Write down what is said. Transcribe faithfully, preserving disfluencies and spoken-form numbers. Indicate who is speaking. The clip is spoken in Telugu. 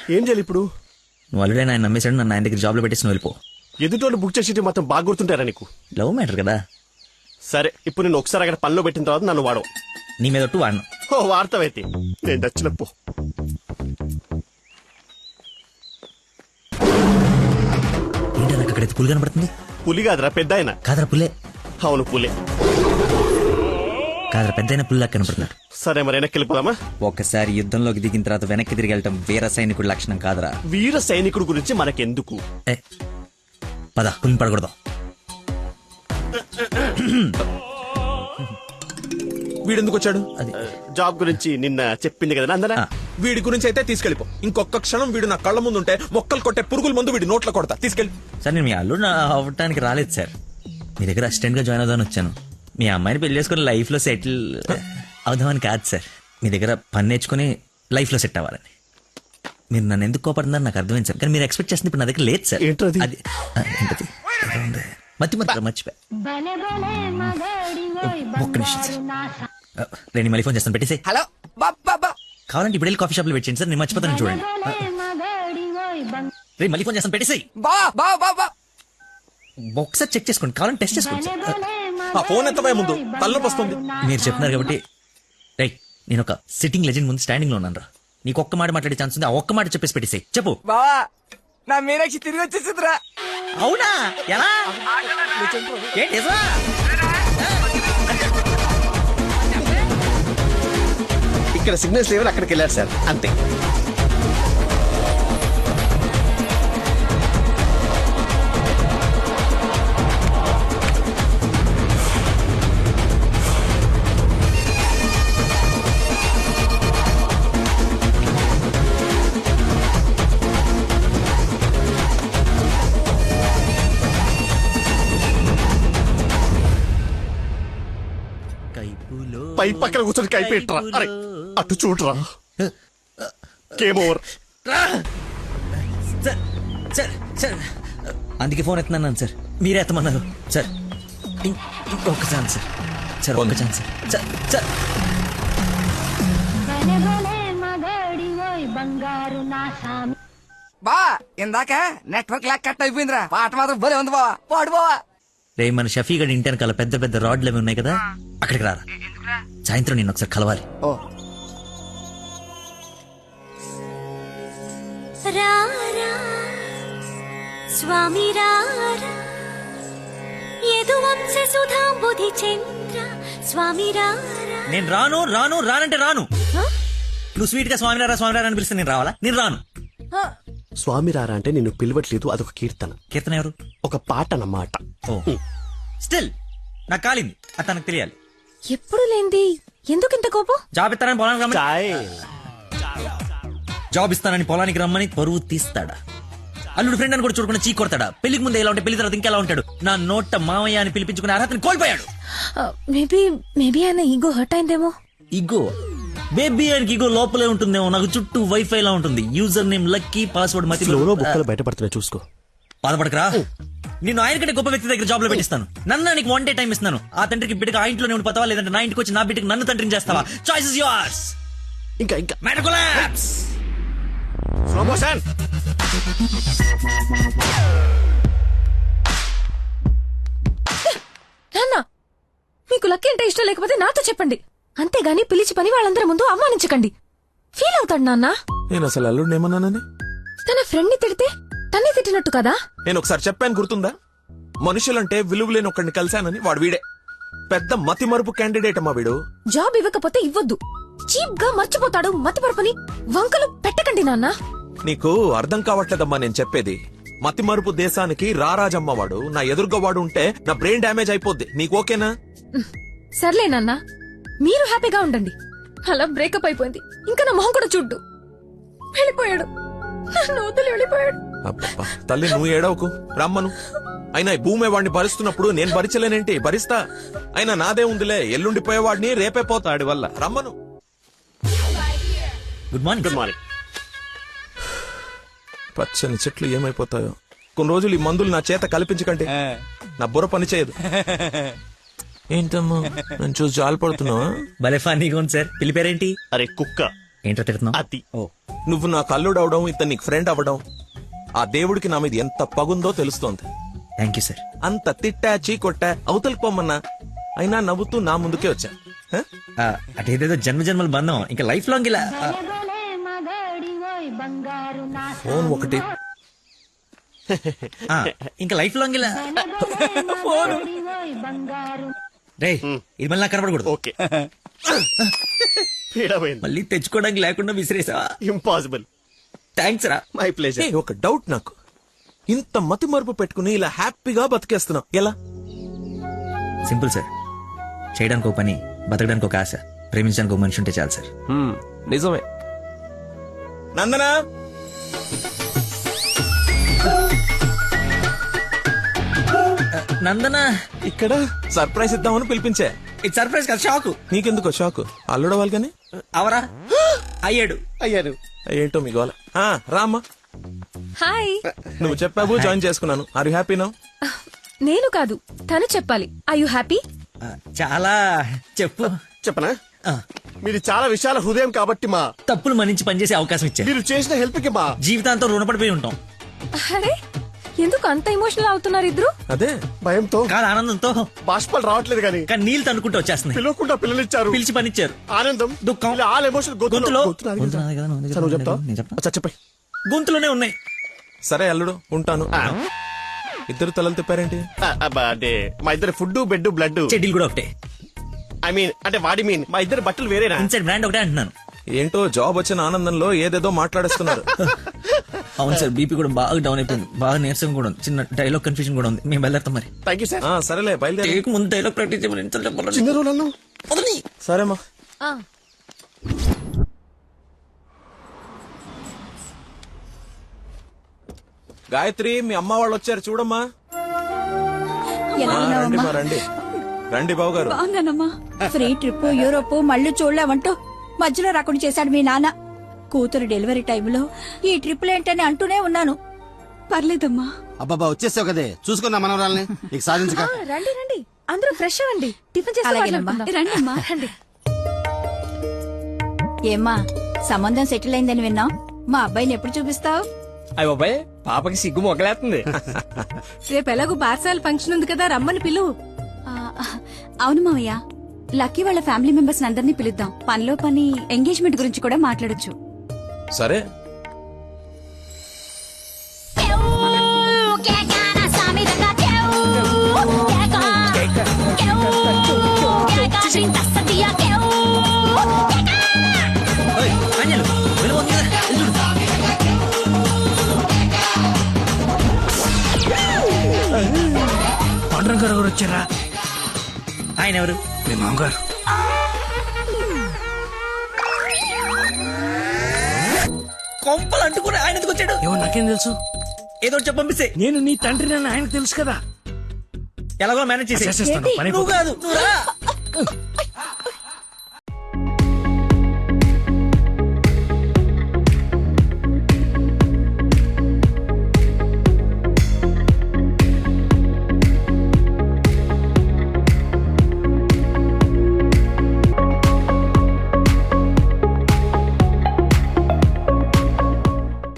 Speaker 1: ఏం చేయాలి ఇప్పుడు?
Speaker 2: నువ్వు ఆల్రెడీ ఆయన నమ్మేశాడు, నన్ను ఆయన దగ్గర జాబ్లో పెట్టేసి నువ్వు వెళ్ళిపో.
Speaker 1: ఎదుటోళ్ళు బుక్ చేసి మొత్తం బాగా గుర్తుంటారా నీకు?
Speaker 2: లవ్ మ్యాటర్ కదా.
Speaker 1: సరే, ఇప్పుడు నేను ఒకసారి అక్కడ పనిలో పెట్టిన తర్వాత నన్ను వాడవు.
Speaker 2: నీ మీద ఒట్టు వాడను.
Speaker 1: ఓ వార్తవైతే నేను దచ్చినప్పు.
Speaker 2: ఏంటో నాకు అక్కడైతే పులి కనపడుతుంది.
Speaker 1: పులి కాదురా, పెద్ద ఆయన.
Speaker 2: కాదరా పుల్లే.
Speaker 1: అవును పులే.
Speaker 2: కాదరా పెద్ద అయిన పుల్లా కనపడుతున్నాడు.
Speaker 1: సరే మరి వెనక్కి వెళ్ళిపోదామా?
Speaker 2: ఒకసారి యుద్ధంలోకి దిగిన తర్వాత వెనక్కి తిరిగి వెళ్ళటం వీర సైనికుడి లక్షణం కాదరా.
Speaker 1: వీర సైనికుడు గురించి మనకెందుకు?
Speaker 2: ఏ, పద పులిని పడకూడదు.
Speaker 3: వీడెందుకు వచ్చాడు?
Speaker 2: అది
Speaker 1: జాబ్ గురించి నిన్న చెప్పింది కదా అందరా.
Speaker 3: వీడి గురించి అయితే తీసుకెళ్ళిపో. ఇంకొక క్షణం వీడు నా కళ్ళ ముందు ఉంటే మొక్కలు కొట్టే పురుగుల ముందు వీడి నోట్లో కొడతా. తీసుకెళ్ళి.
Speaker 2: సార్ నేను మీ అల్లుడు అవ్వటానికి రాలేదు సార్, మీ దగ్గర అసిస్టెంట్ గా జాయిన్ అవుదామని వచ్చాను. మీ అమ్మాయిని పెళ్లి చేసుకుని లైఫ్ లో సెటిల్ అవుదామని కాదు సార్, మీ దగ్గర పని నేర్చుకుని లైఫ్ లో సెట్ అవ్వాలని. మీరు నన్ను ఎందుకు కోపడుతున్నారు నాకు అర్థమైంది సార్, కానీ మీరు ఎక్స్పెక్ట్ చేస్తుంది ఇప్పుడు నా దగ్గర లేదు సార్.
Speaker 1: ఏంటది?
Speaker 2: అది ఆ, ఏంటది? ఏదో ఉంది. మతి మతి మర్చిపోయా. ఒక్క నిమిషం సార్, నేను మళ్ళీ ఫోన్ చేస్తాను, పెట్టేసి.
Speaker 3: హలో బాబా,
Speaker 2: కావాలంటే ఇప్పుడు వెళ్ళి కాఫీ షాప్ లో పెట్టండి సార్, నేను మర్చిపోతాను చూడండి. రే మళ్ళీ ఫోన్ చేస్తాను, పెట్టేసి.
Speaker 3: బా బా బా
Speaker 2: ఒకసారి చెక్ చేసుకోండి, కావాలంటే టెస్ట్ చేసుకోండి సార్.
Speaker 3: ఆ ఫోన్ ఎత్తవే ముందు, తలనొప్పి వస్తుంది.
Speaker 2: మీరు చెప్తున్నారు కాబట్టి రైట్, నేను ఒక సిట్టింగ్ లెజెండ్ ముందు స్టాండింగ్ లో ఉన్నాను రా. నీకు ఒక్క మాట మాట్లాడే ఛాన్స్ ఉంది, ఆ ఒక్క మాట చెప్పేసి పెట్టేసి. చెప్పు
Speaker 3: బావా, నా మీనాక్షి తిరిగి వచ్చేసిందిరా.
Speaker 2: అవునా? ఎలా? ఏంటి నిజమా?
Speaker 1: ఇక్కడ సిగ్నల్స్ లేవని అక్కడికి వెళ్ళారు సార్, అంతే. పై పక్కన కూర్చొని కైపెట్టరా. అరే అటు చూడరా. Game over.
Speaker 2: Sir sir sir అందుకే ఫోన్ ఎత్తున్నాను సార్, మీరే ఎత్తమన్నారు సార్. ఇం- ఇంకొక ఛాన్స్ సార్, సార్ ఒక్క ఛాన్స్ సార్. సార్ సార్
Speaker 4: బా ఇందాక నెట్వర్క్ లాక్ కట్ అయిపోయిందిరా. పాట మాత్రం భలే ఉంది బావా, పాడు బావా.
Speaker 2: రే మన షఫీ గడి ఇంటి వెనకాల పెద్ద పెద్ద రాడ్లు అవి ఉన్నాయి కదా, అక్కడికి రారా. సాయంత్రం నేను ఒకసారి కలవాలి.
Speaker 4: ఓ
Speaker 5: రారా స్వామి రారా యదువంశ సుధాంబుధి చంద్ర స్వామి రారా.
Speaker 2: నేను రాను రాను రానంటే రాను. నువ్వు స్వీట్ గా స్వామినారా స్వామినారా అని పిలిస్తే నేను రావాలా? నేను రాను.
Speaker 1: స్వామి రారా అంటే నిన్ను పిలవట్లేదు, అదొక కీర్తన.
Speaker 2: కీర్తన ఎవరు?
Speaker 1: ఒక పాట అన్నమాట.
Speaker 2: ఓ స్టిల్ నాకు కాలింది, అది తనకు తెలియాలి.
Speaker 5: ఎప్పుడు లేంది ఎందుకు ఇంత కోపం?
Speaker 2: జాబ్ ఇస్తానని పొలానికి రమ్మని
Speaker 1: చాయ్.
Speaker 2: జాబ్ ఇస్తానని పొలానికి రమ్మని పరువు తీస్తాడా? అల్లుడు ఫ్రెండ్ అని కూడా చూడకుండా చీ కొడతాడా? పెళ్లికి ముందు ఎలా ఉంటే పెళ్లి తర్వాత ఇంకెలా ఉంటాడు? నా నోట మామయ్య అని పిలిపించుకునే అర్హతని కోల్పోయాడు.
Speaker 5: మేబీ మేబీ ఆయన ఈగో హర్ట్ అయిందేమో.
Speaker 2: ఇగో బేబీ ఆయనకి ఇగో లోపలే ఉంటుందేమో, నాకు చుట్టూ వైఫై లా ఉంటుంది. యూజర్ నేమ్ లక్కీ, పాస్వర్డ్ మతి.
Speaker 1: ఫ్లోలో బుక్కలు బయటపడుతున్నాయి చూసుకో.
Speaker 2: బాధపడకరా, నిన్ను ఆయన కంటే గొప్ప వ్యక్తి దగ్గర జాబ్ లో పెట్టిస్తాను. నన్ను నీకు వన్ డే టైం ఇస్తున్నాను. ఆ తండ్రికి బిడ్డకి ఆ ఇంట్లోనే ఉండి పోతావా, లేదంటే నా ఇంటికి వచ్చి నా బిడ్డకి నన్ను తండ్రిని చేస్తావా? Choice is yours.
Speaker 1: ఇంకా ఇంకా
Speaker 2: మ్యాటర్ కొలాప్స్.
Speaker 1: Slow motion.
Speaker 5: నాన్న మీకు లక్కీ అంటే ఇష్టం లేకపోతే నాతో చెప్పండి, అంతేగాని పిలిచి పని వాళ్ళందరి ముందు అవమానించకండి. ఫీల్ అవుతాడు నాన్న.
Speaker 3: నేను అసలు అల్లుడిని ఏమన్నానని?
Speaker 5: తన ఫ్రెండ్ ని తిడితే తన్ని తిట్టినట్టు కదా.
Speaker 3: నేను ఒకసారి చెప్పాను గుర్తుందా? మనుషులంటే విలువలేని ఒకడిని కలిశానని. వాడు వీడే పెద్ద మతి మరుపు క్యాండిడేట్ అమ్మా వీడు.
Speaker 5: జాబ్ ఇవ్వకపోతే ఇవ్వద్దు, చీప్ గా మర్చిపోతాడు. మతి పరపని వంకలు పెట్టకండి నాన్న.
Speaker 3: నీకు అర్థం కావట్లేదమ్మా నేను చెప్పేది. మతి మరుపు దేశానికి రారాజమ్మ వాడు. నా ఎదురుగా వాడు ఉంటే నా బ్రెయిన్ డ్యామేజ్ అయిపోద్ది. నీకు ఓకేనా?
Speaker 5: సర్లే నాన్న, మీరు హ్యాపీగా ఉండండి. అలా బ్రేకప్ అయిపోయింది, ఇంకా నా మొహం కూడా చూడ్డు. వెళ్ళిపోయాడు, నన్ను వదిలి వెళ్ళిపోయాడు.
Speaker 3: అబ్బబ్బా, తల్లి నువ్వు ఏడవకు, రమ్మను. అయినా ఈ భూమి వాడిని భరిస్తున్నప్పుడు నేను భరించలేనేంటి? భరిస్తా. అయినా నాదే ఉందిలే, ఎల్లుండిపోయేవాడిని రేపే పోతాడి వల్ల. రమ్మను.
Speaker 2: Good morning.
Speaker 1: Good morning.
Speaker 3: పచ్చని చెట్లు ఏమైపోతాయో. కొన్ని రోజులు ఈ మందులు నా చేత కల్పించకండి, నా బుర్ర పని చేయదు. ఏంటమ్మా నేను చూసి జాలి పడుతున్నావా?
Speaker 2: భలే ఫన్నీగా ఉంది సార్. పిల్లి పేరేంటి?
Speaker 1: అరే కుక్క.
Speaker 2: ఏంటో తిడుతున్నావు
Speaker 1: అతి
Speaker 2: ఓ
Speaker 3: నువ్వు నా కల్లుడు అవడం ఇతను నీకు ఫ్రెండ్ అవ్వడం ఆ దేవుడికి నా మీద ఎంత పగుందో తెలుస్తోంది.
Speaker 2: Thank you sir.
Speaker 3: అంత తిట్టా చీకొట్టా అవతలికి పొమ్మన్నా అయినా నవ్వుతూ నా ముందుకే వచ్చా. హ?
Speaker 2: అదేదేదో జన్మ జన్మల బంధం ఇంకా లైఫ్ లాంగ్ ఇలా ఆ,
Speaker 3: ఫోన్ ఒకటి
Speaker 2: ఆ, ఇంకా లైఫ్ లాంగ్ ఇలా రే ఇది మళ్ళీ నాకు కనపడకూడదు.
Speaker 1: ఓకే పీడమైంది.
Speaker 2: మళ్ళీ తెచ్చుకోవడానికి లేకుండా విసిరేసావా?
Speaker 1: ఇంపాసిబుల్.
Speaker 2: థ్యాంక్స్ రా.
Speaker 1: My pleasure.
Speaker 3: ఏయ్, ఒక డౌట్ నాకు. ఇంత మతి మరుపు పెట్టుకుని ఇలా హ్యాపీగా బతికేస్తున్నావు ఎలా?
Speaker 2: Simple sir. చేయడానికి ఒక పని, బతకడానికి ఒక ఆశ, ప్రేమించడానికి ఒక మనిషి ఉంటే చాలు సార్.
Speaker 3: నిజమే. నందనా
Speaker 2: నందన
Speaker 3: ఇక్కడ సర్ప్రైజ్ ఇద్దామని పిలిపించా.
Speaker 2: ఇది సర్ప్రైజ్ కదా, షాక్.
Speaker 3: నీకెందుకో షాక్? అల్లుడవాలి కానీ
Speaker 2: అవరా అయ్యాడు.
Speaker 1: అయ్యారు.
Speaker 3: ఏంటో మీ గోల. ఆ, రామ్మా.
Speaker 5: హాయ్.
Speaker 3: నువ్వు చెప్పావు, జాయిన్ చేసుకున్నాను. Are you happy now?
Speaker 5: నేను కాదు, తను చెప్పాలి. I you happy?
Speaker 2: ఆ, చాలా చెప్పు.
Speaker 1: చెప్పనా?
Speaker 2: ఆ,
Speaker 1: మీరు చాలా విశాల హృదయం కాబట్టి మా
Speaker 2: తప్పులు మన్నించి పనిచేసే అవకాశం ఇచ్చారు.
Speaker 1: మీరు చేసిన హెల్ప్ కి మా
Speaker 2: జీవితాంతం రుణపడిపోయి ఉంటాం.
Speaker 5: అరే ఎందుకు అంత ఎమోషనల్ అవుతున్నారు ఇద్దరు?
Speaker 3: అదే
Speaker 1: భయంతో
Speaker 2: కాదు ఆనందంతో.
Speaker 1: బాష్పాలు రావట్లేదు కానీ
Speaker 2: కానీ నీళ్ళు తనుకుంటూ వచ్చేస్తున్నాయి.
Speaker 1: పిలవకుండా పిల్లలిచ్చారు.
Speaker 2: పిలిచి పనిచ్చారు.
Speaker 1: ఆనందం,
Speaker 2: దుఃఖం.
Speaker 1: ఇలా ఆల్ ఎమోషన్
Speaker 2: గొంతులో
Speaker 1: గొంతులో
Speaker 2: గొంతు నాది కదా, నువ్వు
Speaker 1: నువ్వు చెప్తావు?
Speaker 2: నేను చెప్తా.
Speaker 1: అచ్చా, చెప్పండి.
Speaker 2: గొంతులోనే ఉన్నాయి.
Speaker 3: సరే అల్లుడు, ఉంటాను. ఇద్దరు తలలు తిప్పారేంటి?
Speaker 1: ఆ, అబ్బా, అంటే మా ఇద్దరు ఫుడ్ బెడ్ బ్లడ్.
Speaker 2: చెడ్డీలు కూడా ఒకటే.
Speaker 1: ఐ మీన్ అంటే వాడి మీన్ మా ఇద్దరు బట్టలు వేరేనా?
Speaker 2: ఇన్సైడ్ బ్రాండ్ ఒకటే అంటున్నాను.
Speaker 3: ఏంటో జాబ్ వచ్చిన ఆనందంలో ఏదేదో మాట్లాడేస్తున్నారు.
Speaker 2: అవును సార్, బీపీ కూడా బాగా డౌన్ అయిపోయింది. బాగా నీరసం కూడా ఉంది. చిన్న డైలాగ్ కన్ఫ్యూజన్ కూడా ఉంది. మేము వెళ్ళాం మరి.
Speaker 1: Thank you sir.
Speaker 3: ఆ, సరేలే బయలుదేరి.
Speaker 2: టేక్ ముందు డైలాగ్ ప్రాక్టీస్ చేయమని ఎంత చెప్పాలి?
Speaker 1: చిన్న రోజులు అన్నావు.
Speaker 2: వదలని.
Speaker 3: సరేమ్మా.
Speaker 5: ఆ,
Speaker 3: గాయత్రి, మీ అమ్మ వాళ్ళు వచ్చారు చూడమ్మా.
Speaker 6: ఎలా
Speaker 3: ఆ, రండి
Speaker 6: ఉన్నావమ్మా?
Speaker 3: మా, రండి రండి బాబు గారు.
Speaker 6: బాగున్నానమ్మా. ఫ్రీ ట్రిప్ యూరోప్ మళ్ళీ చూడలేమంటూ మధ్యలో రాకుండా చేశాడు మీ నాన్న. కూతురు డెలివరీ టైంలో ఈ ట్రిప్లేంటని అంటూనే ఉన్నాను. పర్లేదమ్మా.
Speaker 7: అబ్బాబా వచ్చేసావు కదే, చూసుకున్నా మనవరాల్ని నీకు సాధించక.
Speaker 5: ఆ, రండి రండి అందరూ ఫ్రెష్ అవ్వండి. టిఫిన్ చేసి
Speaker 6: అలాగేనమ్మా. రండమ్మా.
Speaker 5: రండి.
Speaker 6: ఏమ్మా, సంబంధం సెటిల్ అయిందని విన్నాం. మా అబ్బాయిని ఎప్పుడు చూపిస్తావు?
Speaker 8: అయ్య బాబాయ్, పాపకి సిగ్గు మొగలేస్తుంది.
Speaker 5: రేపు ఎలాగో బార్సాల ఫంక్షన్ ఉంది కదా, రమ్మని పిలువు.
Speaker 6: ఆ, అవును మావయ్య, లక్కీ వాళ్ళ ఫ్యామిలీ మెంబర్స్ అందరినీ పిలుద్దాం. పనిలో పని ఎంగేజ్మెంట్ గురించి కూడా మాట్లాడొచ్చు.
Speaker 3: సరే.
Speaker 2: ఓయ్, ఆంజలు, వెలుగు ఉంది కదా, వెళ్ళు చూడు.
Speaker 8: పండుగ గారు ఎవరు వచ్చారా?
Speaker 2: ఆయన ఎవరు?
Speaker 8: మీ మామగారు.
Speaker 2: కొంపలు అంటుకుని ఆయన ఎందుకు వచ్చాడు?
Speaker 8: ఏమో నాకేం తెలుసు.
Speaker 2: ఏదో ఒకటి చెప్పి పంపిస్తే
Speaker 8: నేను నీ తండ్రి నన్ను ఆయనకు తెలుసు కదా.
Speaker 2: ఎలాగో మేనేజ్ చేసి
Speaker 8: చేసేస్తాను, పని
Speaker 2: నువ్వు కాదు, నువ్వు రా.